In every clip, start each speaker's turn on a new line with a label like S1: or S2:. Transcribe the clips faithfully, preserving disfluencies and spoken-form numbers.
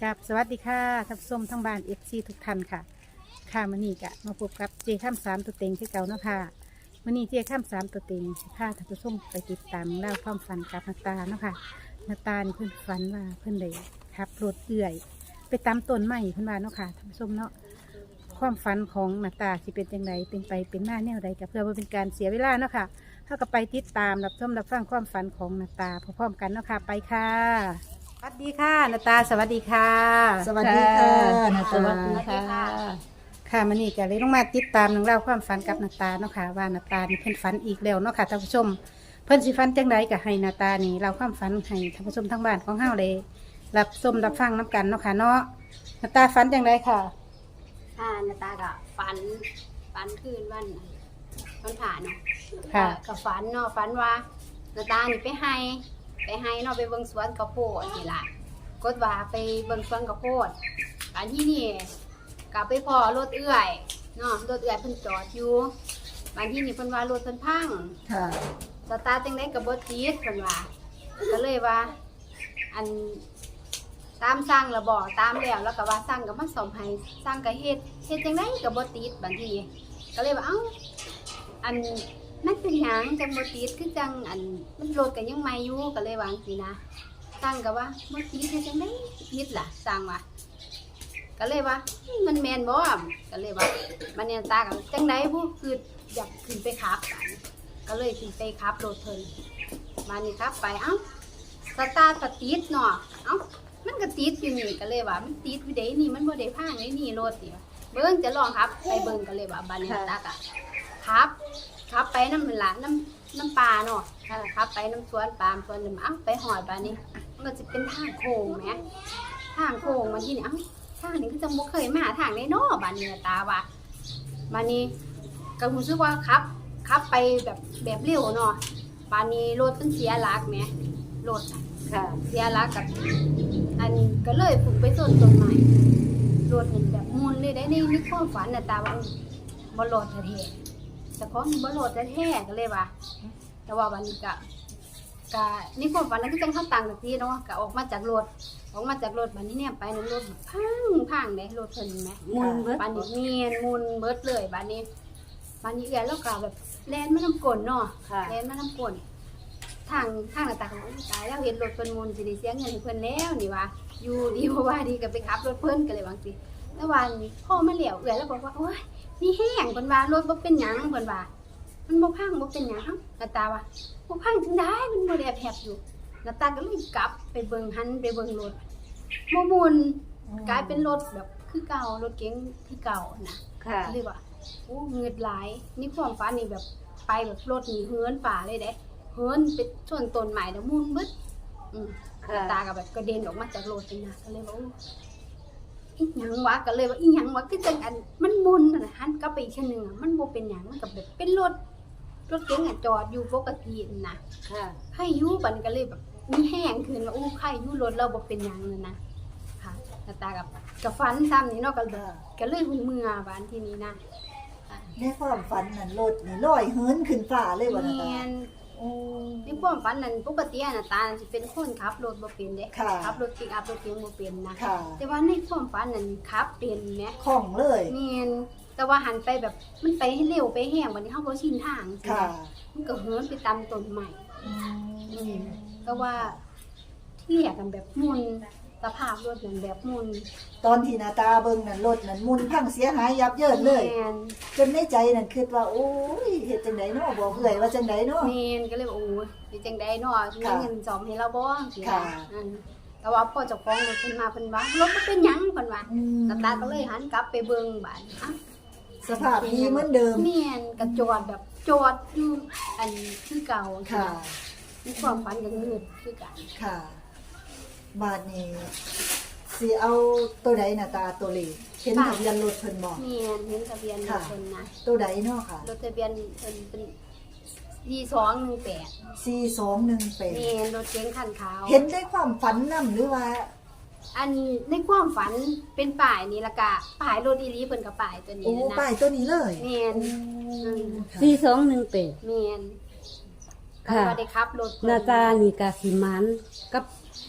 S1: กับสวัสดีค่ะท่านผู้ชมทั้งบ้านเอฟซีทุกท่านค่ะค่ะมื่อนี้กะมาพบกับเจข้ามสามตัวเต็งที่เก่าเนาะค่ะมื่อนี้เจข้ามสามตัวเต็งสิพาท่านผู้ชมไปติดตามเล่าวความฝันกับนาตาเนาะค่ะนาตานี่เพิ่นฝันว่าเพิ่นได้ขับรถเอื่อย ไปตามต้นไม้เพิ่นว่าเนาะค่ะท่านผู้ชมเนาะความฝันของนาตาสิเป็นจังไดเป็นไปเป็นหน้าแนวใดกับเพื่อบ่เป็นการเสียเวลาเนาะค่ะเท่ากับไปติดตามรับชมรับฟังความฝันของนาตาพร้อมๆกันเนาะค่ะไปค่ะสวัสดีค่ะนาตาสวัสดีค่ะ
S2: สวัสดีค่ะนา
S1: ส
S2: ตา
S1: วัสดีค่ะค่ะมันนี่จะเลยต้องมาติดตามหนังเล่องราวความฝันกับนาตาเนาะค่ะว่านาตานี่เพิ่นฝันอีกแล้วเนาะค่ะท่านผู้ชมเพิ่นสิฝันจังไดก็ให้นาตานี่เล่าความฝันให้ท่านผู้ชมทั้งบ้านของเฮาเลยรับชมรับฟังน้กันเนาะค่ะเนาะนาตาฝันจังไดค่ะ
S3: ค่ะนาตาก็ฝันฝันคืนวันวันผ่านเนาะ
S1: ค่ะ
S3: ก็ฝันเนาะฝันว่านาตานี่ไปให้ไปให้เนาะไปเบิ่งสวนข้าวโพดนี่ล่ะกดว่าไปเบิ่งสวนข้าวโพดอันที่นี่ก็ไปพอรถเอื้อยเนาะรถเอื้อยเพิ่นจอดอยู่บางที่นี่เพิ่นว่ารถเพิ่นพัง
S2: ค่ะ
S3: สตาร์ทจังได๋ก็บ่ติดเพิ่นว่าก็เลยว่า อันตามสั่งแล้วบอกตามแล้วแล้วก็ว่าสั่งก็มาซ่อมให้สั่งก็เฮ็ดเฮ็ดจังได๋ก็บ่ติดบางทีก็เลยว่าเอ้าอันมันเป็นหยังจังบ่ติดคือจังอันมันรถก็ยังใหม่อยู่ก็เลยวาจังซี่นะสั่งก็ว่าบ่ติดเฮ็ดจังได๋ติดล่ะสั่งว่าก็เลยว่ามันแม่นบ่ก็เลยว่ามันเนี่ยตาก็จังได๋ผู้คืออยากขึ้นไปขับกันก็เลยขึ้นไปขับรถเพิ่นมานี่ขับไปเอ้าสตาร์ทก็ติดเนาะเอ้ามันก็ติดอยู่นี่ก็เลยว่ามันติดอยู่เด้นี่มันบ่ได้พังเลยนี่รถนี่เบิ่งจะลองครับไปเบิ่งก็เลยว่าบัดนี้ตาก็ครับครับไปน้ำมันละน้ำน้ำปลาเนาะครับไปน้ำสวนปาล์มสวนน้ำอ้าวไปหอดบัดนี้มันก็จะเป็นทางโค้งแหมทางโค้งมาที่นี่อ้าวทางนี้ก็จะบ่เคยมาทางได้เนาะบัดนี้ตาว่าบัดนี้ก็รู้สึกว่าครับขับไปแบบแบบเร็วเนาะบัดนี้รถมันเสียหลักแหมรถ
S1: ค่ะ
S3: เสียหลักกับอันก็เลยผุกไปต้นต้นไม้รถเห็นแบบมุนเลยได้ในในความฝันน่ะตาว่าบ่รถแท้ๆแต่ของบ่รถแท้ๆก็เลยว่า แต่ว่าวันนี้ก็ก็ในความฝันนั้นก็จังเข้าตังกับที่เนาะก็ออกมาจากรถออกมาจากรถบัดนี้เนี่ยไปในรถพังพังเด้รถเพิ่นแหม
S1: มุนเบิด
S3: บัดนี้เนียนมุนเบิดเลยบัดนี้บัดนี้เอื้อยแล้วก็แบบแล่นมาน้ำกลนเนาะ
S1: ค่ะ
S3: แล่นมาน้ำกลน ทางทางหน้าตาของตายแล้วเห็นรถเพิ่นมุนสิได้เสียเงินให้เพิ่นแล้วนี่ว่าอยู่ดีเพราะว่าดีก็ไปขับรถเพิ่นก็เลยว่าสิแล้ววันพ่อมาเหลียวเอื้อยแล้วบอกว่าโอ๊ยนี่แห้งเพิ่นว่ารถบ่เป็นหยังเพิ่นว่ามันบ่พังบ่เป็นหยังเอ้าหน้าตาว่าบ่พังจังได๋มันบ่ได้แผบอยู่หน้าตาก็เลยกลับไปเบิ่งหันไปเบิ่งรถบ่มุนกลายเป็นรถแบบคือเก่ารถเก๋งที่เก่านะ
S1: ค่ะ
S3: ก็เลยว่าโอ้เงือดหลายนี่ความฝันนี่แบบไปแบบรถนี่เฮือนป่าเลยเด้เฮิร์นไปชนต้นไม้แล้วมุนบึดอืม
S1: ค่ะ
S3: ตากับแบบกระเด็นออกมาจากรถเลยนะก็เลยว่าอีหยังวะก็เลยว่าอีหยังวะคือจังอันมันมุนน่ะหันกลับไปอีกเช่นนึงอ่ะมันบ่เป็นหยังมันก็แบบเป็นรถรถเก๋งอ่ะจอดอยู่ปกติน่ะ
S1: ค่ะ
S3: ใครอยู่บัดนก็เลยแบบมีแห้งขึ้นว่าอู้ใครอยู่รถเราบ่เป็นหยังเลยนะค่ะแล้วตากับกับฟันซ้ำนี่เนาะก็ก็เลยหุ่นเมื่อบานที่นี้นะ
S2: ในความฝันนั่นรถนี่ลอยเหินขึ้นฟ้าเลยบ่นาตา
S3: เนียน
S2: โอ้
S3: ในความฝันนั้นปกติอะนะตาสิเป็นคนขับรถบ่เป็นเด้
S2: ค่ะ
S3: ขับรถปิกอัพรถเก๋งบ่เป็นนะ
S2: ค่ะ
S3: แต่ว่าในความฝันนั้นขับเป็นแหม
S2: คล่องเลย
S3: แม่นแต่ว่าหันไปแบบมันไปให้เร็วไปแห้งบัดนี้เฮาบ่ชินทางสิ
S2: ค่ะ
S3: มันก็เหินไปตามต้นไม้
S2: อื
S3: อื
S2: ม
S3: มก็ว่าที่แยกกันแบบมุนสภาพรถนั้นแบบมุน
S2: ตอนที่นาตาเบิ่งนั่นรถนั่นมุนพังเสียหายยับเยินเลย
S3: แม่น
S2: จนในใจนั่นคิดว่าโอ้ยเฮ็ดจังไดเนาะบอกเอื้อยว่าจังไดเนาะ
S3: แม่นก็เลยว่าโอ้ยสิจังได๋เนาะมี
S2: ค่ะ
S3: เงินซ่อมให้เราบ่สิ
S2: ค่ะ
S3: อืมแต่ว่าพอเจ้าของรถเพิ่นมาเพิ่นว่ารถบ่เป็นหยังเพิ่นว่า
S2: อืม
S3: ตาตาก็เลยหันกลับไปเบิ่งบ้านอ่ะ
S2: สภาพดีเหมือนเดิม
S3: แม่นก็จอดแบบจอดอยู่อันคือเก่า
S2: ค่ะ
S3: มีความฝันกันมืดคือกัน
S2: ค่ะบาดนี้สิเอาตัวใดน่ะตาตัวเลขเห็นทะเบียนรถเพิ่นบ่
S3: แม่นเห็นทะเบียนรถเพิ่นนะ
S2: ตัวใดเนาะค่ะ
S3: รถทะเบียนเพิ่นเป็นยี่สองหนึ่งแปด
S2: สี่สองหนึ่งแปด
S3: แม่นรถเก๋งคันขาว
S2: เห็นได้ความฝันนำหรือว่า
S3: อันในความฝันเป็นป้ายนี่ละกะป้ายรถอีหลีเพิ่นกับป้ายตัวนี้
S2: โอ้
S3: นะ
S2: ป้ายตัวนี้เลย
S3: แม่น
S2: อืมค่ะ
S1: สี่สองหนึ่งแปด
S3: แม่น
S1: ค่ะ
S3: ก็ว่าได้ขับรถเพิ่
S1: นาตานี่กาสิมันกับ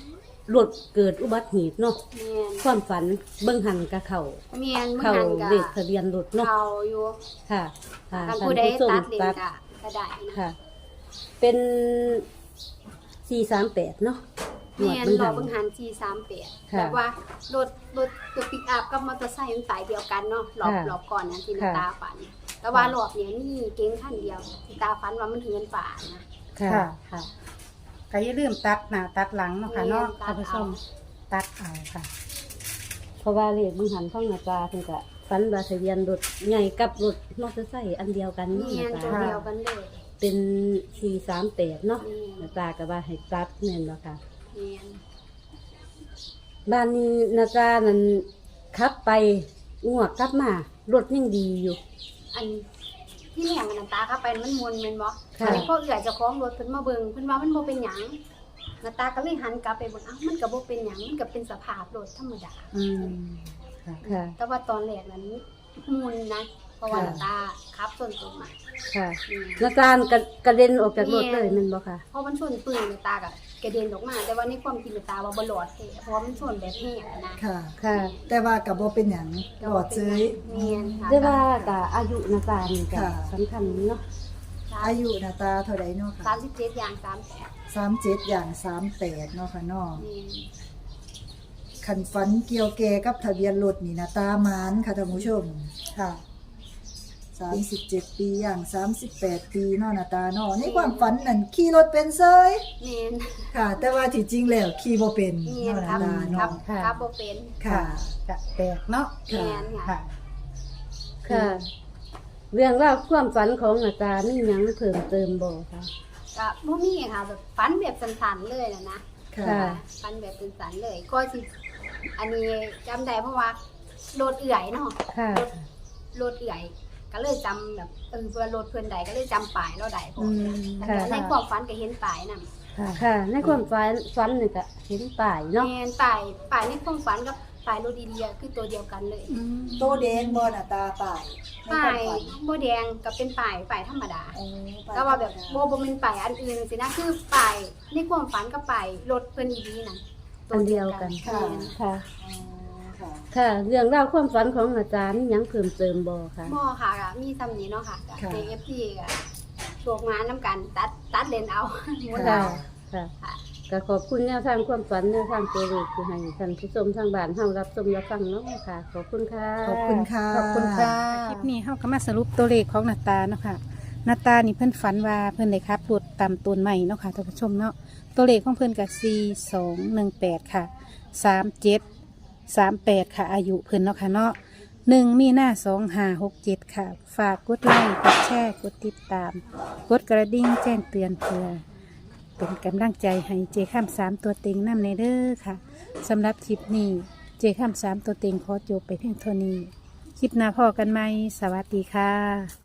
S4: รถเกิดอุบัติเหตุเนาะ
S3: แม่น
S4: ความฝันเบิ่งหันกับเขา
S3: แม่นมื้อ
S4: เขา
S3: นั้นก็
S4: เลขทะเบียนรถเนาะ
S3: เขาอยู่
S4: ค่ะค่ะ
S3: ทาง
S4: ท่าน
S3: ผู้ใด
S4: ผู้ชม
S3: ตัดเลน
S4: ตัด
S3: ก็ก็ได้นะ
S4: ค่ะ เป็นสี่สามแปดเนาะหวด
S3: แม่น
S4: เบิ่ง
S3: รอ
S4: หัน
S3: เบิ่งหันสี่สามแปด
S4: ค่ะ
S3: แบบว่ารถรถรถปิกอัพกับมอเตอร์ไซค์มันสายเดียวกันเนาะรอบ
S4: ค่ะ
S3: รอบก่อนนั้นที่นา
S4: ค่ะ
S3: ตาฝัน แต่ว่ารอบเนี้ยมีเก๋งคันเดียวที่ตาฝันว่ามันเหือนป่านะ
S4: ค่ะ
S1: ค่ะ
S4: ค่ะ
S1: ก็อย่าลืมตัดหน้าตัดหลังเนาะค่ะเนาะ
S3: แม่นตั
S1: ท่า
S3: ด
S1: นผู้ช
S3: เอา
S1: มตัดเอาค่ะ
S4: เพราะว่าเลขเบิ่งหันท่องหน้าตาเพิ่นก็ฝันว่าทะเบียนรถใหญ่กับรถมอเตอร์ไซค์อันเดียวกันเนาะ
S3: แม่น
S4: หน้า
S3: ตัว
S4: ตา
S3: เดียวกันเลย
S4: เป็นสี่สามแปดเนาะ
S3: แม่
S4: หน้าน ตาก็ว่าให้ตัดแม่นบ่ค่ะ
S3: แม่น
S4: บ้านนี้หนาตานั้นขับไปงวกกลับมารถยังดีอยู่
S3: อันที่แหลงน้ำตาเข้าไปมันมวนแม่นบ่
S4: ค่ะ
S3: อันนี้พอเอื้อยเจ้าของรถเพิ่นมาเบิ่งเพิ่นว่ามันบ่เป็นหยังน้ำตาก็เลยหันกลับไปเบิ่งอ้าวมันก็บ่เป็นหยังมันก็เป็นสภาพรถธรรมดา
S1: อืมค่ะ
S4: ค่ะ
S3: แต่ว่าตอนแรกนั้นมุนนะ เพราะว่า
S4: ค่ะ
S3: น้ำตาขับชนต้นไม้
S4: ค่ะ
S3: อืม
S4: หนาตากระกระเด็นออกจากรถเลยแมันบ่ค่ะ
S3: เพราะมันชนปืนน้ำตาก็กระเด็นออกมา แต่ว่าในความจริงน้ำตาว่าบ่รอดแท้เพราะว่ามันชนแบบแห้งอะนะ
S2: ค่ะ
S4: ค่ะ
S2: แต่ว่าก็บ่เป็นหยังหลอดเซย
S3: แม่นค่ะ
S4: ได้ว่ากับอายุหนาตานี่ก็
S2: ค่ะ
S4: สำคัญเนาะ
S2: อายุหน้าตาเท่าใดเนาะ
S3: สา
S2: ค่ะ
S3: มสิบเจ็ดอย่างสามแปด
S2: สามเจ็ดอย่างสามแปดเนาะค่ะเนาะ
S3: แม่น
S2: คันฝันเกี่ยวแก่กับทะเบียนรถนี่หน้าตามานค่ะท่านผู้ชม
S1: ค่ะ
S2: สามสิบเจ็ดปีอย่างสามสิบแปดปีเนาะหน้าตาเนาะในความฝันนั่นขี่รถเป็นเซย
S3: แม่น
S2: ค่ะ แต่ว่าที่จริงแล้วขี่บ่เป็น
S3: แม่น
S2: เนาะห
S3: ครั
S2: น้า
S3: บ
S2: ตา
S3: ครับ
S2: เนาะ
S3: ครับบ่เป็น
S2: ค่ะ
S1: จะแตกเนาะ
S3: แม่นค่ะ
S1: ค่ะ
S4: ค่ะ เรื่องราวความฝันของหนาตามีหยังเพิ่มเติมบ่ค่ะ
S3: ก็บ่มีค่ะแบบฝันแบบสั้นๆเลยนะนะ
S2: ค่ะ
S4: ค่ะ
S3: ฝันแบบสั้นๆเลย ก็สิอันนี้จำได้เพราะว่าโดดเอื่อยเนาะ
S4: ค่ะ
S3: รถเอื่อยก็เลยจำแบบเออเพื่อรถเพื่อนใดก็เลยจำป้ายเราได้พอ
S1: อืม
S3: แล้ว
S4: ค่ะ
S3: ก็ในความฝันก็เห็นป้ายนั่น
S1: ค่ะ
S4: ค่ะ ในความฝันฝันนี่ก็เห็นป้ายเนาะ
S3: แม่นป้ายป้ายในความฝันกับป้ายรถดีเดียคือตัวเดียวกันเลย
S1: อืม
S2: โตแดงบ่หน้าตาป่ายใน
S3: ป้า
S2: ควม
S3: ย
S2: ฝัน
S3: โบแดงก็เป็นป้ายป้ายธรรมดา
S2: อ๋อป้ย
S3: ก็ว่าแบบโบบ่เป็นป้ายอันอื่นสินะคือป้ายในความฝันกับป้ายรถเพิ่นอีดีนั่น
S4: อันเดียวกัน
S3: แม่น
S4: ค่ะ
S2: อ๋อค่ะ
S4: ค่ะ เรื่องราวความฝันของอาจารย์มีหยังเพิ่มเติมบ่ค่ะ
S3: บ่ค่ะก็มีซ้ำนี้เนาะค่ะกับ
S2: ค่ะ
S3: เจ เอฟ ซี ก็โชคงานนํกันตัดตัดเลนเอาหมด
S4: ค่ะ
S3: แล้ว
S4: ค่ะ
S3: ค่ะ
S4: ก็ขอบคุณแนวทางความฝันแนวทางตัวเลขที่ให้ท่านผู้ชมทางบ้านเฮารับชมรับฟังเนาะค่ะ ขอบคุณค่ะ
S2: ขอบคุณค่ะ
S1: ขอบคุณค่ะ คลิปนี้เฮาก็มาสรุปตัวเลขของหนาตาเนาะค่ะหนาตานี่เพิ่นฝันว่าเพิ่นได้ขับรถตามต้นไม้เนาะค่ะท่านผู้ชมเนาะ ตัวเลขของเพิ่นก็สี่ สอง หนึ่ง แปดค่ะ สาม เจ็ด สาม แปดค่ะ อายุเพิ่นเนาะค่ะเนาะหนึ่งมีหน้าสองห้าหกเจ็ดค่ะ ฝากกดไลค์กดแชร์กดติดตาม กดกระดิ่งแจ้งเตือนเพื่อเป็นกำลังใจให้เจข้ามสามตัวเต็งนำในเด้อค่ะสำหรับคลิปนี้เจข้ามสามตัวเต็งขอจบไปเพียงเท่านี้ คลิปหน้าพอกันไหมสวัสดีค่ะ